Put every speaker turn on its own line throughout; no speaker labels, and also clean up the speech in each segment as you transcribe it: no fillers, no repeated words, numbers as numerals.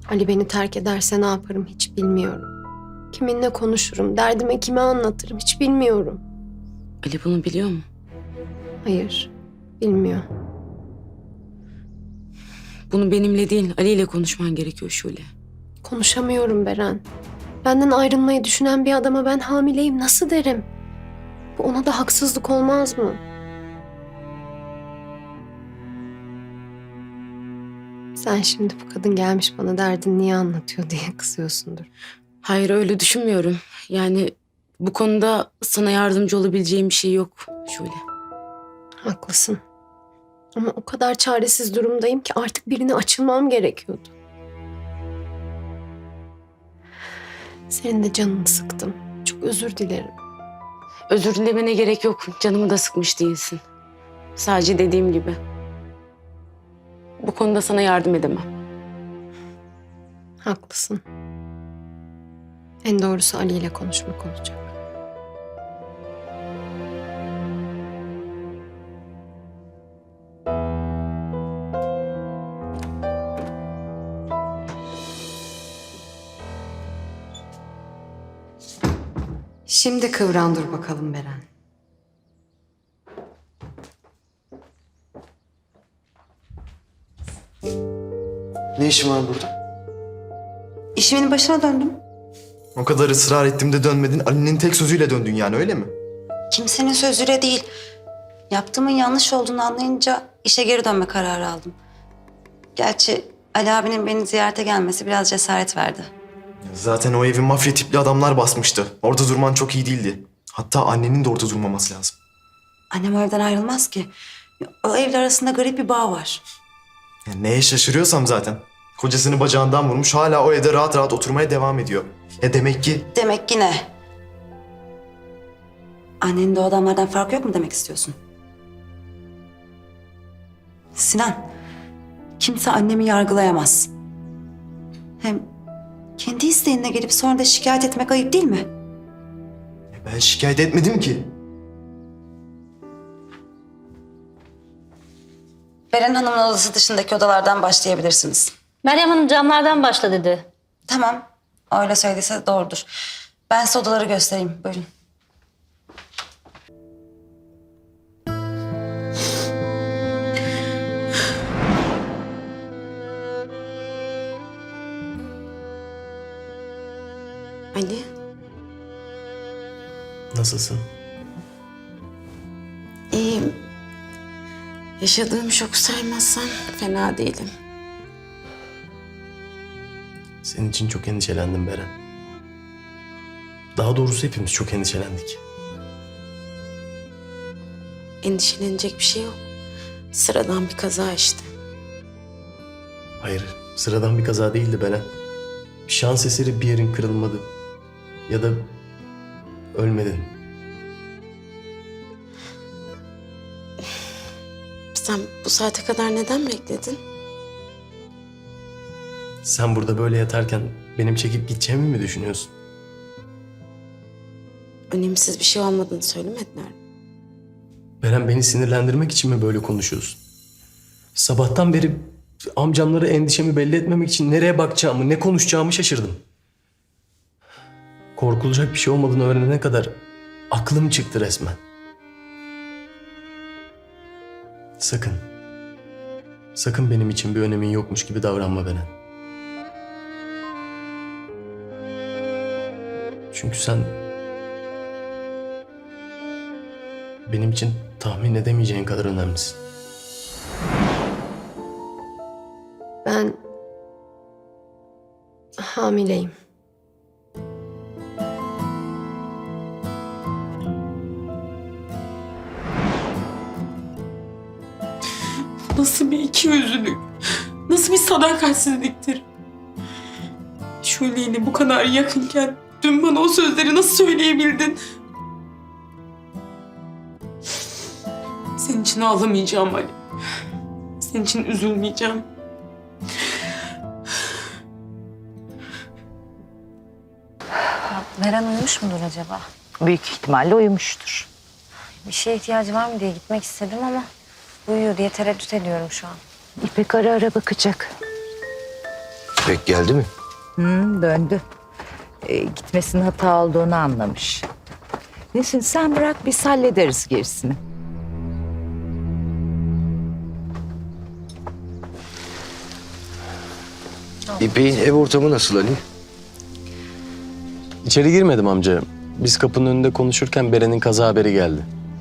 Ali beni terk ederse ne yaparım hiç bilmiyorum. Kiminle konuşurum, derdime kime anlatırım hiç bilmiyorum.
Ali bunu biliyor mu?
Hayır, bilmiyor.
Bunu benimle değil, Ali ile konuşman gerekiyor Şule.
Konuşamıyorum Beren. Benden ayrılmayı düşünen bir adama ben hamileyim nasıl derim? Bu ona da haksızlık olmaz mı? Sen şimdi bu kadın gelmiş bana derdini niye anlatıyor diye kızıyorsundur.
Hayır, öyle düşünmüyorum. Yani bu konuda sana yardımcı olabileceğim bir şey yok Şule.
Haklısın. Ama o kadar çaresiz durumdayım ki artık birine açılmam gerekiyordu. Senin de canını sıktım. Çok özür dilerim.
Özür dilemene gerek yok. Canımı da sıkmış değilsin. Sadece dediğim gibi. Bu konuda sana yardım edemem.
Haklısın. En doğrusu Ali ile konuşmak olacak.
Şimdi kıvran dur bakalım Beren.
Ne işin var burada?
İşimin başına döndüm.
O kadar ısrar ettim de dönmedin. Ali'nin tek sözüyle döndün yani öyle mi?
Kimsenin sözüyle değil. Yaptığımın yanlış olduğunu anlayınca işe geri dönme kararı aldım. Gerçi Ali abinin beni ziyarete gelmesi biraz cesaret verdi.
Zaten o evi mafya tipli adamlar basmıştı. Orada durman çok iyi değildi. Hatta annenin de orada durmaması lazım.
Annem o evden ayrılmaz ki. O evler arasında garip bir bağ var.
Ya neye şaşırıyorsam zaten. Kocasını bacağından vurmuş hala o evde rahat rahat oturmaya devam ediyor. Demek ki
Demek ki ne? Annenin de o adamlardan farkı yok mu demek istiyorsun? Sinan, kimse annemi yargılayamaz. Hem kendi isteğine gelip sonra da şikayet etmek ayıp değil mi?
ben şikayet etmedim ki.
Beren Hanım'ın odası dışındaki odalardan başlayabilirsiniz.
Meryem Hanım camlardan başla dedi.
Tamam, öyle söylediyse doğrudur. Ben size odaları göstereyim, buyurun.
Ali,
Nasılsın?
iyiyim. Yaşadığım şoku saymazsan fena değilim.
Senin için çok endişelendim Beren. Daha doğrusu hepimiz çok endişelendik.
Endişelenecek bir şey yok. Sıradan bir kaza işte.
Hayır, sıradan bir kaza değildi Beren. Şans eseri bir yerin kırılmadı. Ya da ölmedin.
Sen bu saate kadar neden bekledin?
Sen burada böyle yatarken benim çekip gideceğimi mi düşünüyorsun?
Önemsiz bir şey olmadığını söylemediler mi?
Beren, beni sinirlendirmek için mi böyle konuşuyorsun? Sabahtan beri amcamlara endişemi belli etmemek için nereye bakacağımı, ne konuşacağımı şaşırdım. Korkulacak bir şey olmadığını öğrenene kadar aklım çıktı resmen. Sakın. Sakın benim için bir önemin yokmuş gibi davranma Beren. Çünkü sen benim için tahmin edemeyeceğin kadar önemlisin.
Ben hamileyim.
Nasıl bir ikiyüzlülük, nasıl bir sadakatsizliktir. Şule'yle bu kadar yakınken dün bana o sözleri nasıl söyleyebildin? Senin için ağlamayacağım Ali. Senin için üzülmeyeceğim.
Beren uyumuş mudur acaba?
Büyük ihtimalle uyumuştur.
Bir şeye ihtiyacı var mı diye gitmek istedim ama uyuyor diye tereddüt ediyorum şu an.
İpek ara ara bakacak.
İpek geldi mi?
Döndü. Gitmesinin hata olduğunu anlamış. Nesin sen bırak biz hallederiz gerisini.
İpek'in ev ortamı nasıl Ali?
İçeri girmedim amca. Biz kapının önünde konuşurken Beren'in kaza haberi geldi.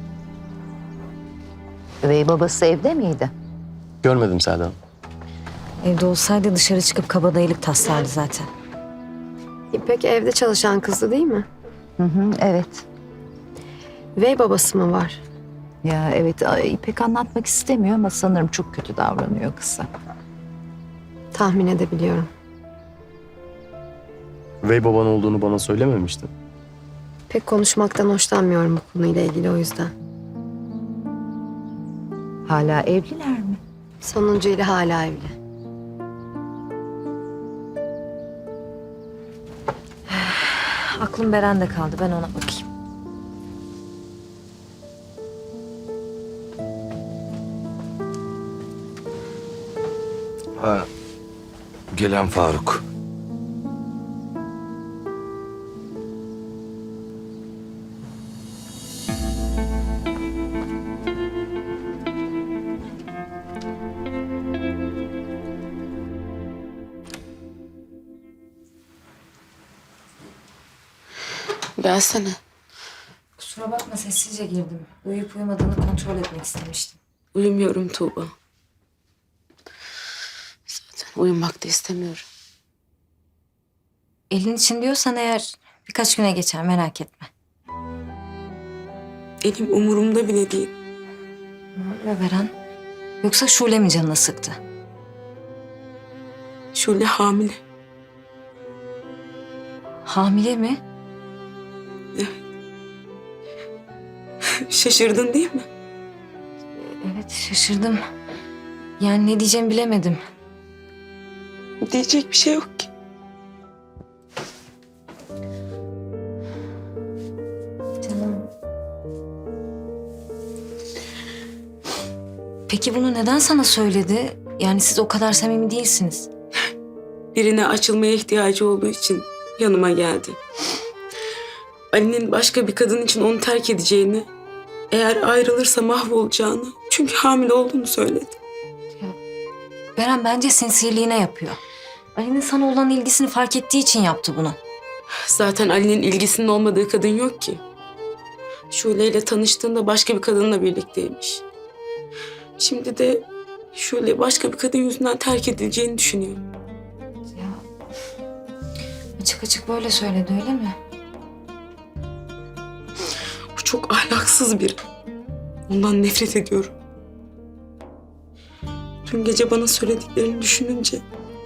Üvey babası evde miydi?
Görmedim Selda Hanım.
Evde olsaydı dışarı çıkıp kabadayılık taslardı zaten.
İpek evde çalışan kızdı değil mi?
Evet.
Ve babası mı var?
Ya evet İpek anlatmak istemiyor ama sanırım çok kötü davranıyor kıza.
Tahmin edebiliyorum.
Üvey baban olduğunu bana söylememiştin.
Pek konuşmaktan hoşlanmıyorum bu konuyla ilgili o yüzden.
Hala evliler mi?
Sonuncuyla hala evli.
Aklım Beren'de kaldı. Ben ona bakayım.
Ha, gelen Faruk.
Gelsene.
Kusura bakma sessizce girdim. Uyuyup uyumadığını kontrol etmek istemiştim.
Uyumuyorum Tuğba. Zaten uyumak da istemiyorum.
Elin için diyorsan eğer birkaç güne geçer merak etme.
Elim umurumda bile değil.
Ne Beren? Yoksa Şule mi canını sıktı?
Şule hamile.
Hamile mi?
Şaşırdın değil mi?
Evet şaşırdım. Yani ne diyeceğimi bilemedim.
Diyecek bir şey yok ki.
Canım. Peki bunu neden sana söyledi? Yani siz o kadar samimi değilsiniz.
Birine açılmaya ihtiyacı olduğu için yanıma geldi. Ali'nin başka bir kadın için onu terk edeceğini, eğer ayrılırsa mahvolacağını, çünkü hamile olduğunu söyledi.
Beren bence sinsiliğine yapıyor. Ali'nin sana olan ilgisini fark ettiği için yaptı bunu.
Zaten Ali'nin ilgisinin olmadığı kadın yok ki. Şule ile tanıştığında başka bir kadınla birlikteymiş. Şimdi de Şule başka bir kadın yüzünden terk edileceğini düşünüyor.
Ya açık açık böyle söyledi öyle mi?
Bu çok ahlaksız biri. Ondan nefret ediyorum. Dün gece bana söylediklerini düşününce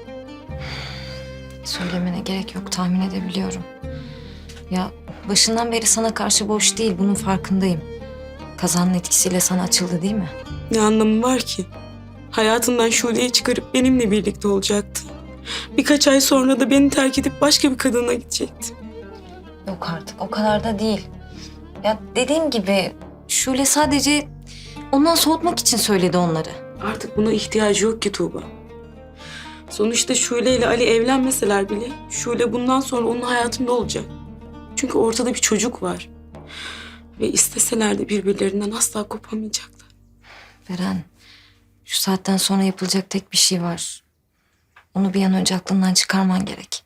Söylemene gerek yok tahmin edebiliyorum. Ya başından beri sana karşı boş değil bunun farkındayım. Kazanın etkisiyle sana açıldı değil mi?
ne anlamı var ki? Hayatından Şule'yi çıkarıp benimle birlikte olacaktı. Birkaç ay sonra da beni terk edip başka bir kadına gidecekti.
Yok artık o kadar da değil. Ya dediğim gibi Şule sadece ondan soğutmak için söyledi onları.
Artık buna ihtiyacı yok ki Tuğba. Sonuçta Şule ile Ali evlenmeseler bile Şule bundan sonra onun hayatında olacak. Çünkü ortada bir çocuk var. Ve isteseler de birbirlerinden asla kopamayacaklar.
Beren, şu saatten sonra yapılacak tek bir şey var. Onu bir an önce aklından çıkarman gerek.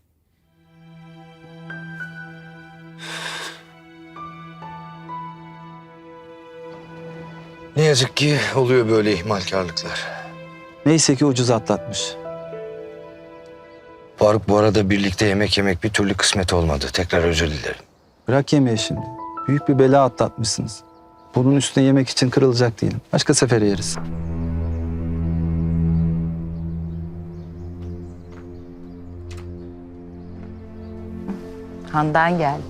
Ne yazık ki oluyor böyle ihmalkarlıklar.
Neyse ki ucuz atlatmış.
Faruk bu arada birlikte yemek yemek bir türlü kısmet olmadı. Tekrar özür dilerim.
Bırak yemeği şimdi. Büyük bir bela atlatmışsınız. Bunun üstüne yemek için kırılacak değilim. Başka sefere yeriz.
Handan geldi.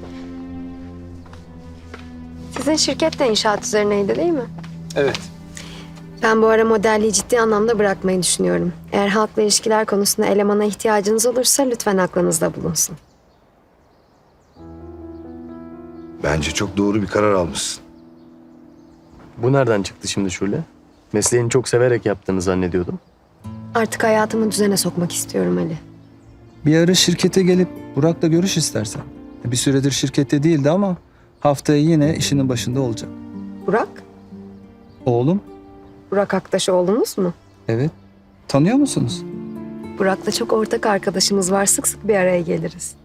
Sizin şirket de inşaat üzerineydi değil mi?
Evet.
Ben bu ara modelliği ciddi anlamda bırakmayı düşünüyorum. Eğer halkla ilişkiler konusunda elemana ihtiyacınız olursa lütfen aklınızda bulunsun.
Bence çok doğru bir karar almışsın.
Bu nereden çıktı şimdi Şule? Mesleğini çok severek yaptığını zannediyordum.
Artık hayatımı düzene sokmak istiyorum Ali.
Bir ara şirkete gelip Burak'la görüş istersen. Bir süredir şirkette değildi ama haftaya yine işinin başında olacak.
Burak?
Oğlum,
Burak Aktaş oğlunuz mu?
evet. Tanıyor musunuz?
Burak'la çok ortak arkadaşımız var. Sık sık bir araya geliriz.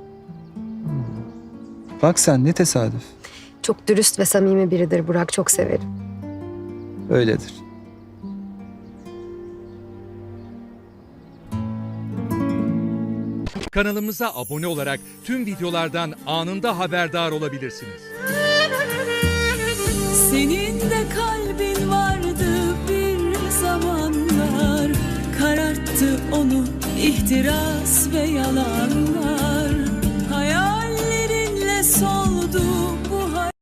Bak sen ne tesadüf.
Çok dürüst ve samimi biridir Burak. Çok severim.
Öyledir.
Kanalımıza abone olarak tüm videolardan anında haberdar olabilirsiniz.
Senin de kalbin vardı bir zamanlar, kararttı onu ihtiras ve yalanlar.